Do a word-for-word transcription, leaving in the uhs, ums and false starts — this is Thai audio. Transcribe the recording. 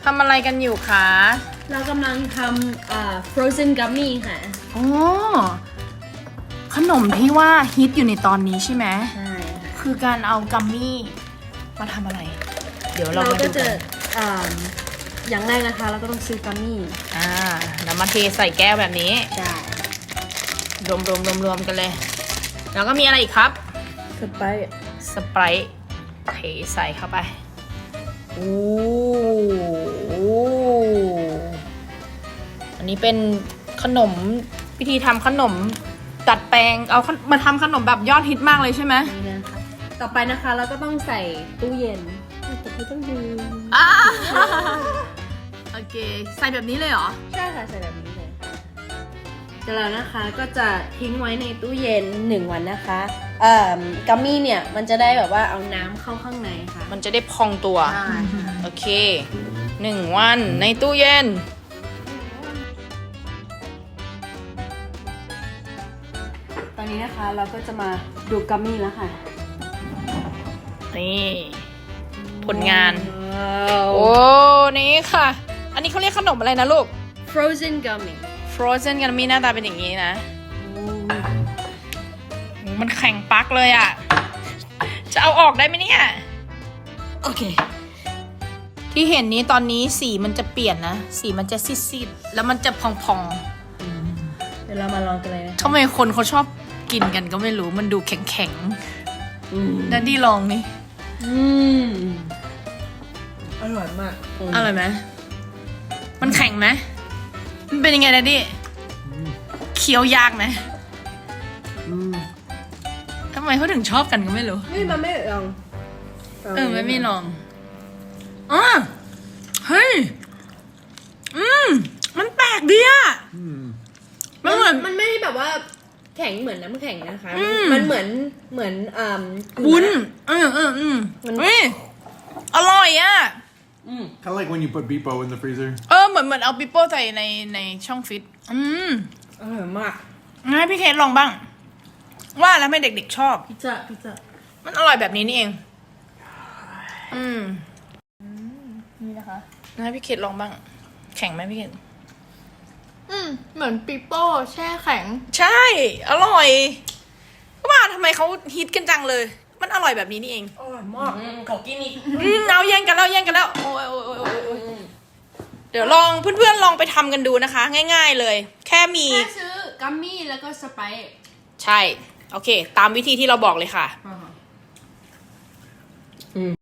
ทำอะไรกันอยู่คะเรากำลังทำอ่า frozen gummy ค่ะอ๋อขนมที่ว่าฮิตอยู่ในตอนนี้ใช่ไหมใช่ค่ะคือการเอากัมมี่มาทำอะไร เดี๋ยวเราเรามาก็ดูจะกันอ่าอย่างแรกนะคะเราก็ต้องซื้อ gummy อ่าแล้วมาเทใส่แก้วแบบนี้ใช่รวมรวมรวมรวมกันเลย แล้วก็มีอะไรอีกครับสไปร์สไปรท์เทใส่เข้าไปโอ้โหอันนี้เป็นขนมวิธีทำขนมดัดแปลงเอามาทำขนมแบบยอดฮิตมากเลยใช่ไหมนี่นะคะต่อไปนะคะเราก็ต้องใส่ตู้เย็นแต่ไม่ต้องดื่มอ่าโอเคใส่แบบนี้เลยเหรอใช่ค่ะใส่แบบนี้เลยเสร็จแล้วนะคะก็จะทิ้งไว้ในตู้เย็นหนึ่งวันนะคะเอ่อกัมมี่เนี่ยมันจะได้แบบว่าเอาน้ำเข้าข้างในค่ะมันจะได้พองตัวใช่ค่ะโอเคหนึ่งวันในตู้เย็นตอนนี้นะคะเราก็จะมาดูกัมมี่แล้วค่ะนี่ผลงานว้าวโอ้ นี่ค่ะ อันนี้เขาเรียกขนมอะไรนะลูก frozen gummy frozen กันมีหน้าตาเป็นอย่างนี้นะ มันแข็งปักเลยอะ่ะ จะเอาออกได้ไหมเนี่ยโอเคที่เห็นนี้ตอนนี้สีมันจะเปลี่ยนนะ สีมันจะซีดๆ แล้วมันจะพองเดี๋ยวเรามาลองกันเลยนะๆทำไมคนเขาชอบกินกันก็ไม่รู้ มันดูแข็งๆดัดดี้ลองนี่อืมอร่อยมากอร่อยไหม มันแข็งไหม มันเป็นยังไงดัดดี้เคี้ยวยากไหมทำไมเขาถึงชอบกันก็ไม่รู้เฮ้ยมันไม่ลองเออไม่ไม่ลองอ๋อเฮ้ย อืม มันแปลกดีอะมันเหมือนมันไม่ได้แบบว่าแข็งเหมือนน้ำแข็งนะคะอืมมันเหมือนเหมือนอ่าวุ้นเออเอออืมเฮ้ย อร่อยอะ Kind of like when you put Beepo in the freezer. เออ เหมือนเหมือนเอาปิโป้ใส่ในในช่องฟิต อืมอร่อยมากงั้นให้พี่เคสลองบ้าง ว่าแล้วไม่เด็กๆชอบพิซซ่าพิซซ่ามันอร่อยแบบนี้นี่เอง อืมนี่นะคะงั้นให้พี่เคสลองบ้าง แข็งไหมพี่เคสอืมเหมือนปิโป้แช่แข็งใช่ อร่อยก็ว่าทำไมเขาฮิตกันจังเลย มันอร่อยแบบนี้นี่เองอร่อยมากขอกินอีกอืมเอาแย่งกันแล้วแย่งกันแล้ว โอ้ยโอ้ยโอ้ยโอ้ยโอ้ยเดี๋ยวลองเพื่อนๆลองไปทำกันดูนะคะ ง่ายๆเลย แค่มีแค่ซื้อกัมมี่แล้วก็สไปซ์ใช่ โอเค ตามวิธีที่เราบอกเลยค่ะ